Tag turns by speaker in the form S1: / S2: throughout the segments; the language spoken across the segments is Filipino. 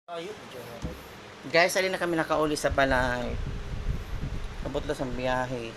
S1: Guys, alin na kami nakauli sa balay. Kabutlos ang biyahe.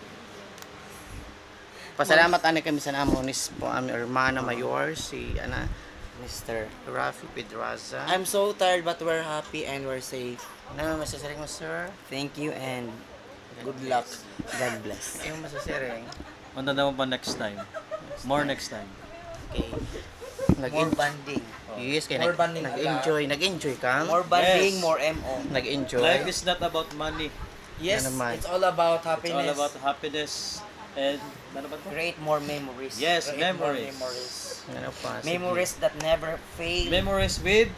S1: Pasalamat ani kami sa namonis po aming hermana mayor si
S2: Mr.
S1: Rafi Pedraza.
S2: I'm so tired but we're happy and we're safe.
S1: Ano masasaring mo, sir?
S2: Thank you and good luck. God bless.
S1: Yung masasaring.
S3: Punta naman pa next time. More next time.
S1: Okay.
S2: More banding.
S1: Yes, kaya
S2: More bonding
S1: nag-enjoy ka?
S2: More banding,
S3: Yes.
S2: more MO.
S1: Nag-enjoy.
S3: Life is not about money.
S2: Yes,
S1: Ano naman?
S2: it's all about
S3: It's
S2: happiness.
S3: all about happiness and ano ba to?
S2: Create more memories.
S3: Yes,
S2: Create more
S3: memories.
S2: memories.
S1: Ano pa? Sige.
S2: Memories that never fade.
S3: Memories with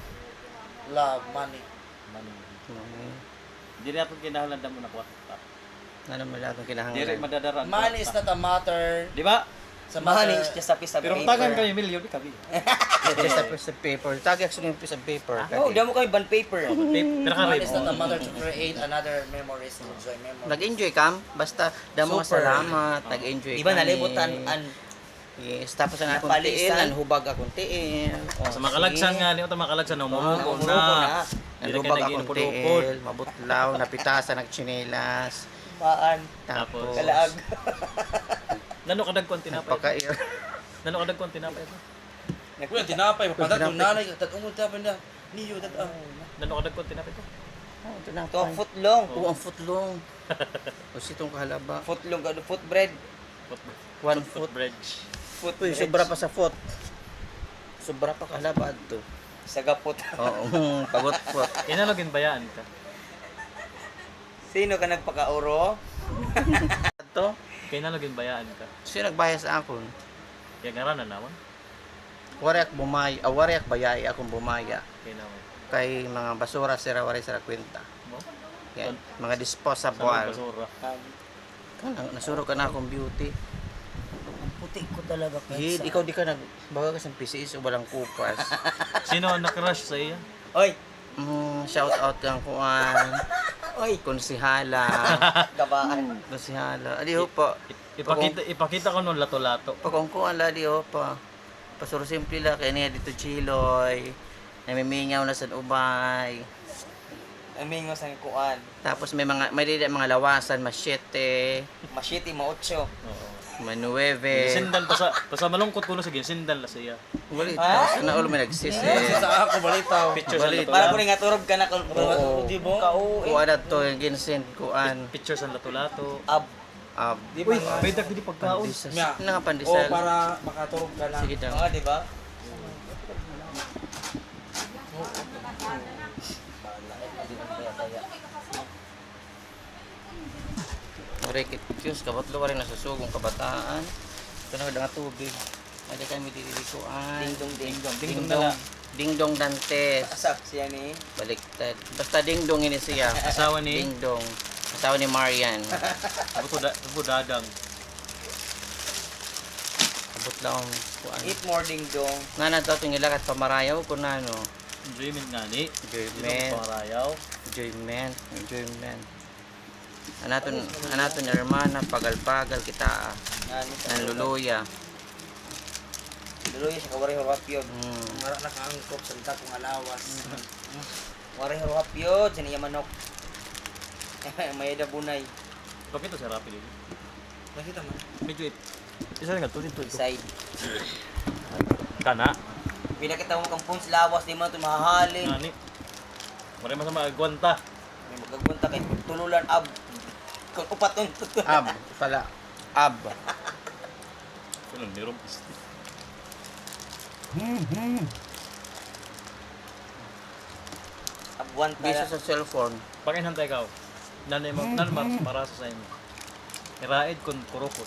S2: Love, money.
S3: money.
S1: Okay.
S3: Hindi natin kinahanglan mo na kwa.
S1: Ano mo lahat ng
S3: Dili
S1: kinahanglan?
S3: madadaraan.
S2: Money is not a matter.
S3: Di ba?
S2: Sa money is just a piece of
S3: Pero
S2: paper.
S3: kung tagan kayo milyon, di kami.
S1: Just a piece of paper. Tagay ako yung piece of paper.
S2: No, di mo kami bond paper.
S3: Pero ka
S2: Money
S3: rin.
S2: is not a matter to create another memories to enjoy memories.
S1: Nag-enjoy ka? Basta damo nga
S2: Super.
S1: salamat. Nag-enjoy
S2: Di ba
S1: kami.
S2: nalibutan an
S1: Yes, tapos na akong
S2: Napalisan.
S1: tiin, hubag akong tiin.
S3: Sa makalagsan nga, niyo makalagsan na umuubo
S2: umuubo
S3: na.
S2: na.
S3: Dili ka
S1: Nalubag akong
S3: nag-inupod-upod.
S1: tiin, mabutlaw, napitasan, nagchinelas.
S2: Paan.
S1: Tapos,
S2: Kalaag.
S3: Nano kadag kon tinapay.
S1: pagka-air.
S3: Nano kadag kon tinapay ito.
S2: Nagkulang tinapay, mapatat yung nanay, tatungod tapin na. Niyo, tatang.
S3: Nano kadag kon tinapay ito.
S1: Oh, ito na.
S2: Ito ang footlong.
S1: Oo, ang footlong. Tapos itong kahalaba.
S2: Footlong, foot bread.
S1: One
S3: Foot
S1: foot.
S3: bridge.
S2: Foot
S1: Uy,
S2: bread.
S1: sobra pa sa foot. Sobra pa kahalaba ito.
S2: Sagapot.
S1: Oo, pagot foot.
S3: Inalogin bayaan ka.
S2: Sino ka nagpakauro?
S1: Ito,
S3: Kaya inalogin bayaan ka.
S1: sino nagbaya sa akon?
S3: Kaya ngaran na naman.
S1: Wariak bumaya, wariak bayay akong bumaya.
S3: Kaya naman.
S1: Kay mga basura sira wari sa kwenta.
S3: Mo?
S1: Yan, mga
S3: Sa
S1: disposable.
S3: basura.
S1: Kanang nasuro ka na akong beauty.
S2: Puti ko talaga
S1: Hid, ikaw di ka nagbaga ka sa PCS o walang kupas.
S3: Sino ang nakrush sa iya?
S2: Oy!
S1: Shout out kang kuan,
S2: Oy!
S1: konsihala.
S2: Gabaan.
S1: Konsihala. Adi ho pa.
S3: Ipakita ko nung lato-lato.
S1: Pag kung kuan la di ho pa. Pasuro simple la kay niya dito chiloy. Namimingaw na sa ubay.
S2: Amingo sa kuan.
S1: Tapos may dili mga lawasan, masyete,
S2: Masyiti, maotso.
S3: Oo.
S1: manueve.
S3: Sindal pa sa malungkot ko na sige, sindal na siya.
S1: Wali,
S2: Ah?
S1: sana ulo may nagsis
S2: Sa ako, balitaw.
S3: Picture sa
S1: Balit.
S2: Para ko
S3: lato-lato.
S2: rin nga turog ka na kung
S1: Oo.
S2: di mo. Kauwi.
S1: Kuan na to, yung ginsend kuan.
S3: Picture sa lato-lato.
S2: Ab.
S1: Di
S3: Uy, may dagdi pagkaon.
S1: Pandisal.
S4: Yeah.
S1: Ano nga pandisal?
S4: para makaturog ka na.
S1: Sige daw.
S2: Mga, di ba?
S1: Rekit Diyos, kabatlo rin nasusugong kabataan. Ito na nga tubig. Ada kami dililikuan.
S2: Ding-dong, ding-dong.
S3: Ding-dong na lang.
S1: Dingdong Dantes.
S2: Asak siya ni.
S1: Baliktad. Basta dingdong ini siya.
S3: Asawa ni
S1: Dingdong. Asawa ni Marian.
S3: Buto dadang.
S1: Abot lang ang kuan.
S2: Eat more ding-dong.
S1: Nga na daw itong ilakat pamarayaw ko na no.
S3: Enjoyment nga ni.
S1: Enjoyment.
S3: Dito pangarayaw.
S1: Enjoyment. Enjoyment. Anaton hermana pagal-pagal kita nanluluya.
S2: Luloy siya kawari horap yun.
S4: Mara na kaangkop sa lita kong alawas.
S2: Wari horap yun. Sa niya manok. May bunay.
S3: Bakit ito si Rapi dito?
S4: Nakita man.
S3: Medyo isa nga to dito.
S2: Side.
S3: Kana.
S2: Pinakita mo kang punch lawas. Di mo ito mahahalin.
S3: Ngani. Mare masama agwanta.
S2: May magagpunta kay tululan ab. Kung upat ng tutulan.
S1: Ab. Pala. Ab.
S3: Kuno ni Rom isti.
S2: Abuan
S1: Bisa
S2: pala.
S1: sa cellphone.
S3: Pakinhantay ka. Nanay mo nan para sa inyo. Iraid kon kurukot.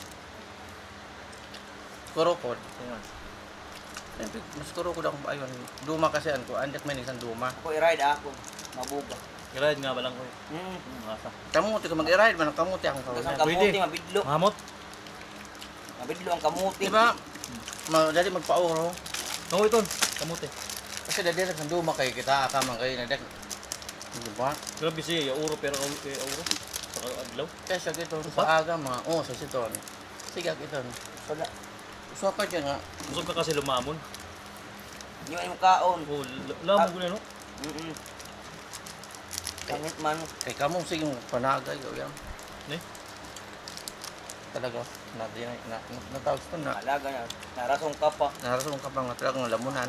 S1: Kurukod.
S3: Ayan.
S1: Mas kurukod akong ayon. Duma kasi an ko. Andak may isang duma.
S2: Ako i-ride ako. Mabuga.
S3: Iraid nga balang ko.
S2: Hmm.
S3: Masa.
S1: Kamuti ka mag-ride man. Kamuti akong
S2: Tapos ang
S1: kaunan.
S3: Pwede.
S2: kamuti, mabidlo.
S3: Mahamot.
S2: Mabidlo ang kamuti.
S1: Diba? Dali magpa-oro.
S3: Oo ito. Kamuti.
S1: Kasi dali ng duma kayo kita. Akamang kayo na Diba?
S3: Grabe siya, euro pero euro. Sa adlaw.
S1: Kaya gito sa aga mga. Oh, sa siton. Sige gito.
S2: Wala.
S1: So ka dyan nga.
S3: Busog ka kasi lumamon.
S2: Yung ay mo kaon.
S3: Oh, lamog ko na no.
S2: Pangit man.
S1: Kay kamong sige panagay o yan.
S3: Ni?
S1: Talaga. Natawag ito na.
S2: Alaga na. Narasong ka pa.
S1: Narasong ka pang talagang lamunan.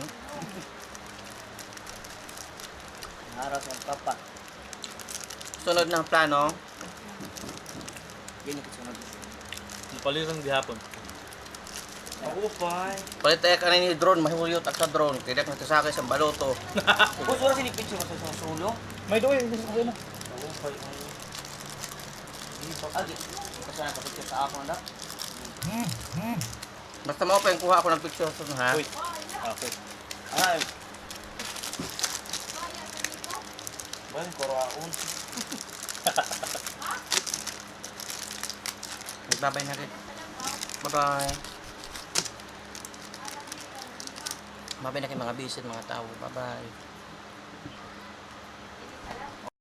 S2: Narasong ka pa.
S1: Sunod ng plano,
S2: Yan yung kasunod.
S3: Palitan gihapon.
S4: Ako pa.
S1: palit tayo ka na ni drone, mahihuyot at sa drone. Kaya dak natasakay sa baloto.
S2: Gusto na sinipicture mo sa sulo?
S3: May doy, hindi sa na.
S4: Ako pa.
S2: Agi. Kasi nakapicture sa ako na.
S1: Basta mo pa yung kuha ako ng picture sa ha.
S3: Uy. Okay.
S2: Ay.
S4: Bayan, koraon.
S1: Bye-bye na rin. Bye-bye. Bye-bye na kay mga bisit, mga tao. Bye-bye.